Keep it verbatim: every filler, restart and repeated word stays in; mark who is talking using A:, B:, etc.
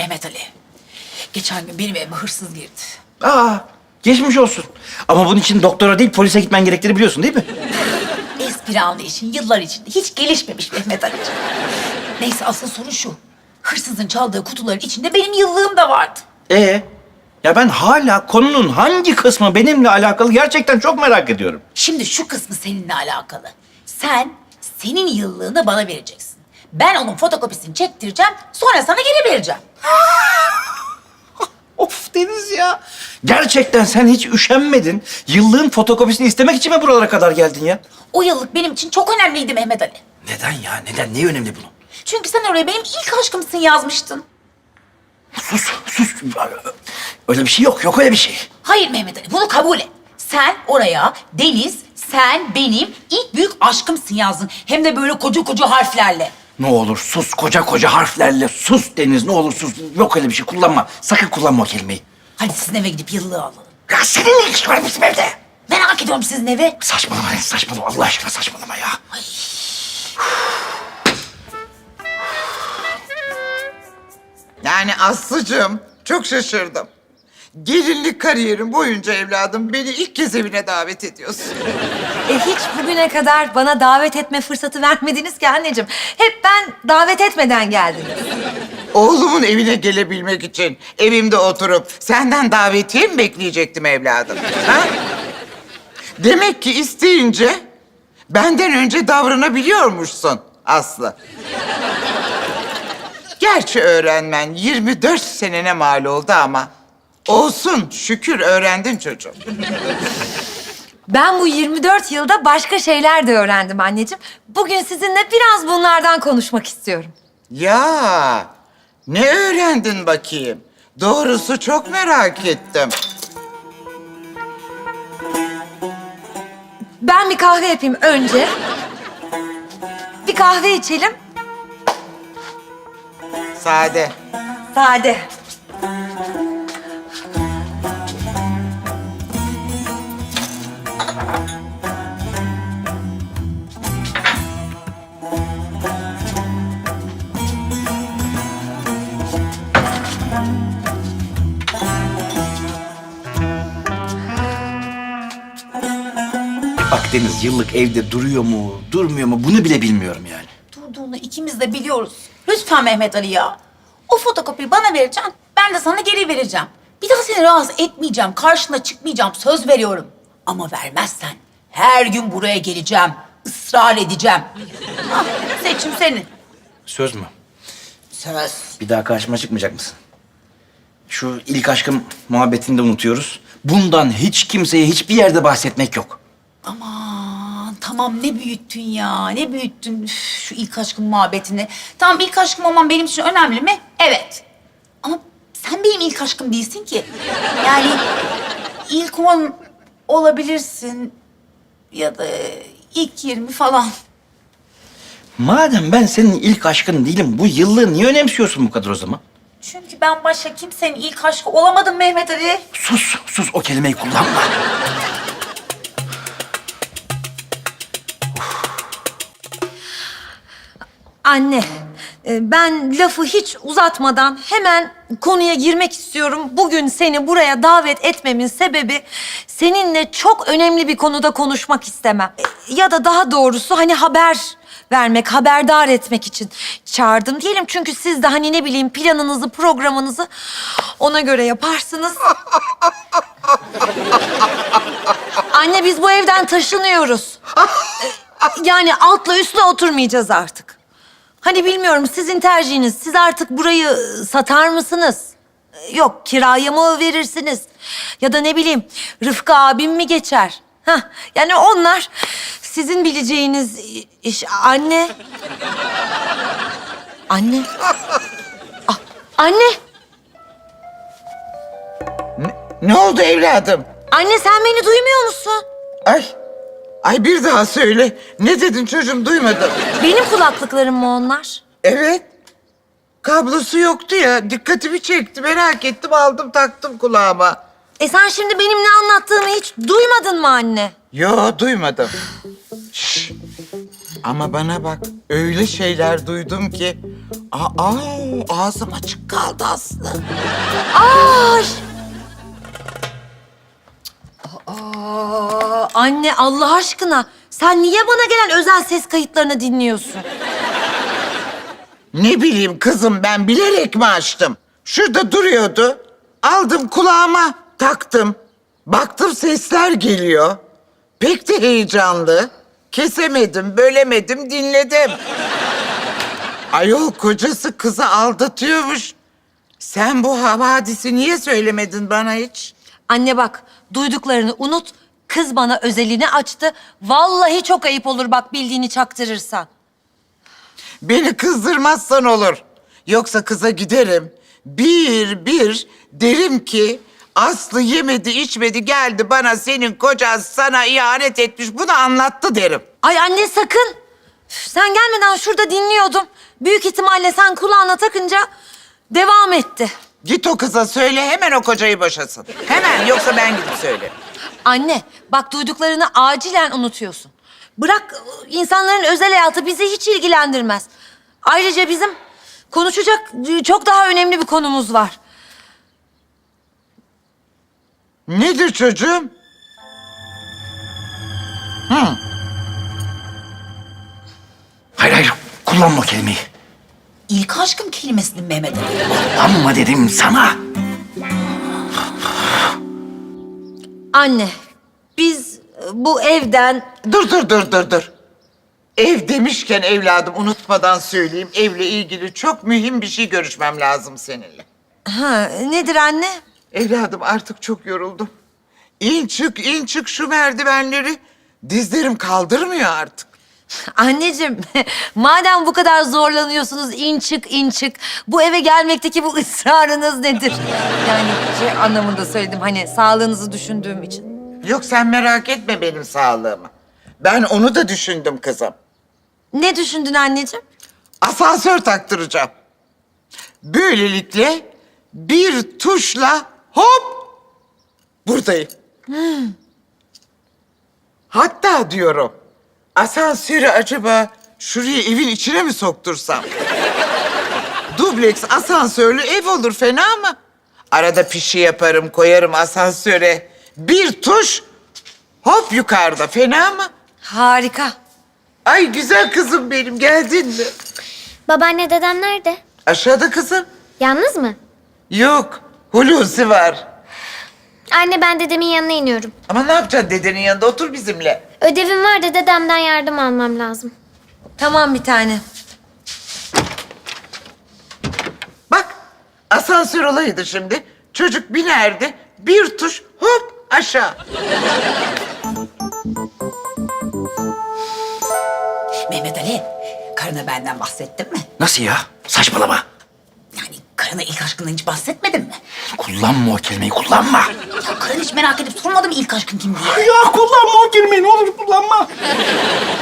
A: Mehmet Ali, geçen gün benim evime hırsız girdi.
B: Aa, geçmiş olsun. Ama bunun için doktora değil polise gitmen gerektiğini biliyorsun değil mi?
A: Espri anlayışın yıllar içinde hiç gelişmemiş Mehmet Ali'ciğim. Neyse asıl sorun şu. Hırsızın çaldığı kutuların içinde benim yıllığım da vardı.
B: Ee, ya ben hala konunun hangi kısmı benimle alakalı gerçekten çok merak ediyorum.
A: Şimdi şu kısmı seninle alakalı. Sen senin yıllığını bana vereceksin. Ben onun fotokopisini çektireceğim, sonra sana geri vereceğim.
B: Of Deniz ya. Gerçekten sen hiç üşenmedin. Yıllığın fotokopisini istemek için mi buralara kadar geldin ya?
A: O yıllık benim için çok önemliydi Mehmet Ali.
B: Neden ya? Neden? Ne önemli bunun?
A: Çünkü sen oraya benim ilk aşkımsın yazmıştın.
B: Sus, sus. Öyle bir şey yok. Yok öyle bir şey.
A: Hayır Mehmet Ali, bunu kabul et. Sen oraya Deniz, sen benim ilk büyük aşkımsın yazdın. Hem de böyle koca koca harflerle.
B: Ne olur sus. Koca koca harflerle sus Deniz. Ne olur sus. Yok öyle bir şey. Kullanma. Sakın kullanma o kelimeyi.
A: Hadi sizin eve gidip yıllığı alalım.
B: Ya senin ne işin var bizim evde?
A: Merak ediyorum sizin eve.
B: Saçmalama Deniz. Saçmalama. Allah aşkına saçmalama ya.
C: Yani Aslı'cığım çok şaşırdım. Gelinlik kariyerim boyunca evladım beni ilk kez evine davet ediyorsun.
D: E hiç bugüne kadar bana davet etme fırsatı vermediniz ki anneciğim. Hep ben davet etmeden geldim.
C: Oğlumun evine gelebilmek için evimde oturup senden davetiye mi bekleyecektim evladım? Ha? Demek ki isteyince benden önce davranabiliyormuşsun Aslı. Gerçi öğrenmen yirmi dört senene mal oldu ama olsun şükür öğrendin çocuğum.
D: Ben bu yirmi dört yılda başka şeyler de öğrendim anneciğim. Bugün sizinle biraz bunlardan konuşmak istiyorum.
C: Ya ne öğrendin bakayım? Doğrusu çok merak ettim.
D: Ben bir kahve yapayım önce. Bir kahve içelim.
C: Sade.
D: Sade.
B: Bak Deniz yıllık evde duruyor mu, durmuyor mu bunu bile bilmiyorum yani.
A: Durduğunu ikimiz de biliyoruz. Lütfen Mehmet Ali ya. O fotokopiyi bana vereceksin, ben de sana geri vereceğim. Bir daha seni rahatsız etmeyeceğim, karşına çıkmayacağım, söz veriyorum. Ama vermezsen her gün buraya geleceğim, ısrar edeceğim. Ah, seçim senin.
B: Söz mü?
A: Söz.
B: Bir daha karşıma çıkmayacak mısın? Şu ilk aşkım muhabbetini de unutuyoruz. Bundan hiç kimseye hiçbir yerde bahsetmek yok.
A: Aman tamam ne büyüttün ya, ne büyüttün Üf, şu ilk aşkın muhabbetini. Tamam ilk aşkım olman benim için önemli mi? Evet. Ama sen benim ilk aşkım değilsin ki. Yani ilk on olabilirsin ya da ilk yirmi falan.
B: Madem ben senin ilk aşkın değilim, bu yıllığı niye önemsiyorsun bu kadar o zaman?
A: Çünkü ben başka kimsenin ilk aşkı olamadım Mehmet Ali.
B: Sus, sus o kelimeyi kullanma.
D: Anne, e, ben lafı hiç uzatmadan hemen konuya girmek istiyorum. Bugün seni buraya davet etmemin sebebi seninle çok önemli bir konuda konuşmak istemem. E, Ya da daha doğrusu hani haber vermek, haberdar etmek için çağırdım diyelim. Çünkü siz de hani ne bileyim planınızı, programınızı ona göre yaparsınız. Anne biz bu evden taşınıyoruz. E, Yani altla üstle oturmayacağız artık. Hani bilmiyorum sizin tercihiniz. Siz artık burayı ıı, satar mısınız? Ee, Yok kiraya mı verirsiniz? Ya da ne bileyim Rıfkı abim mi geçer? Hah, yani onlar sizin bileceğiniz i- iş. Anne. Anne. Ah, anne.
C: Ne oldu evladım?
D: Anne sen beni duymuyor musun?
C: Ay, ay bir daha söyle. Ne dedin çocuğum duymadım.
D: Benim kulaklıklarım mı onlar?
C: Evet. Kablosu yoktu ya. Dikkatimi çekti. Merak ettim aldım taktım kulağıma.
D: E sen şimdi benim ne anlattığımı hiç duymadın mı anne?
C: Yo duymadım. Şş. Ama bana bak, öyle şeyler duydum ki... Aa, ağzım açık kaldı Aslı.
D: Ay! Aa, anne Allah aşkına sen niye bana gelen özel ses kayıtlarını dinliyorsun?
C: Ne bileyim kızım, ben bilerek mi açtım? Şurada duruyordu. Aldım kulağıma, taktım. Baktım sesler geliyor. Pek de heyecanlı. Kesemedim, bölemedim, dinledim. Ayol kocası kızı aldatıyormuş. Sen bu havadisi niye söylemedin bana hiç?
D: Anne bak duyduklarını unut. Kız bana özelini açtı. Vallahi çok ayıp olur bak bildiğini çaktırırsan.
C: Beni kızdırmazsan olur. Yoksa kıza giderim. Bir bir derim ki... Aslı yemedi, içmedi, geldi bana senin kocan sana ihanet etmiş. Bunu anlattı derim.
D: Ay anne sakın. Üf, sen gelmeden şurada dinliyordum. Büyük ihtimalle sen kulağına takınca devam etti.
C: Git o kıza söyle, hemen o kocayı boşasın. Hemen, yoksa ben gidip söylerim.
D: Anne bak duyduklarını acilen unutuyorsun. Bırak ıı, insanların özel hayatı bizi hiç ilgilendirmez. Ayrıca bizim konuşacak ıı, çok daha önemli bir konumuz var.
C: Nedir çocuğum? Hı.
B: Hayır hayır, kullanma o kelimeyi.
A: İlk aşkım kelimesini Mehmet Ali.
B: Kullanma dedim sana.
D: Anne biz ıı, bu evden
C: Dur, dur, dur, dur, dur. Ev demişken evladım, unutmadan söyleyeyim. Evle ilgili çok mühim bir şey görüşmem lazım seninle.
D: ha, nedir anne?
C: Evladım artık çok yoruldum. İn çık, in çık şu merdivenleri. Dizlerim kaldırmıyor artık.
D: Anneciğim, madem bu kadar zorlanıyorsunuz in çık in çık. Bu eve gelmekteki bu ısrarınız nedir? Yani şey anlamında söyledim hani sağlığınızı düşündüğüm için.
C: Yok sen merak etme benim sağlığımı. Ben onu da düşündüm kızım.
D: Ne düşündün anneciğim?
C: Asansör taktıracağım. Böylelikle bir tuşla hop buradayım. Hatta diyorum asansörü acaba şuraya evin içine mi soktursam? Dubleks asansörlü ev olur, fena mı? Arada pişi yaparım, koyarım asansöre. Bir tuş hop yukarıda, fena mı?
D: Harika.
C: Ay güzel kızım benim, geldin mi?
E: Babaanne dedem nerede?
C: Aşağıda kızım.
E: Yalnız mı?
C: Yok, Hulusi var.
E: Anne ben dedemin yanına iniyorum.
C: Ama ne yapacaksın dedenin yanında? Otur bizimle.
E: Ödevim var da dedemden yardım almam lazım.
D: Tamam bir tane.
C: Bak, asansör olaydı şimdi. Çocuk binerdi, bir tuş hop aşağı.
A: Mehmet Ali, karına benden bahsettin mi?
B: Nasıl ya? Saçmalama.
A: Yani karına ilk aşkından hiç bahsetmedin mi?
B: Kullanma o kelimeyi, kullanma.
A: Ya karın hiç merak edip sormadı mı ilk aşkın kim diye?
B: Ya kullanma o kelimeyi, ne olur kullanma.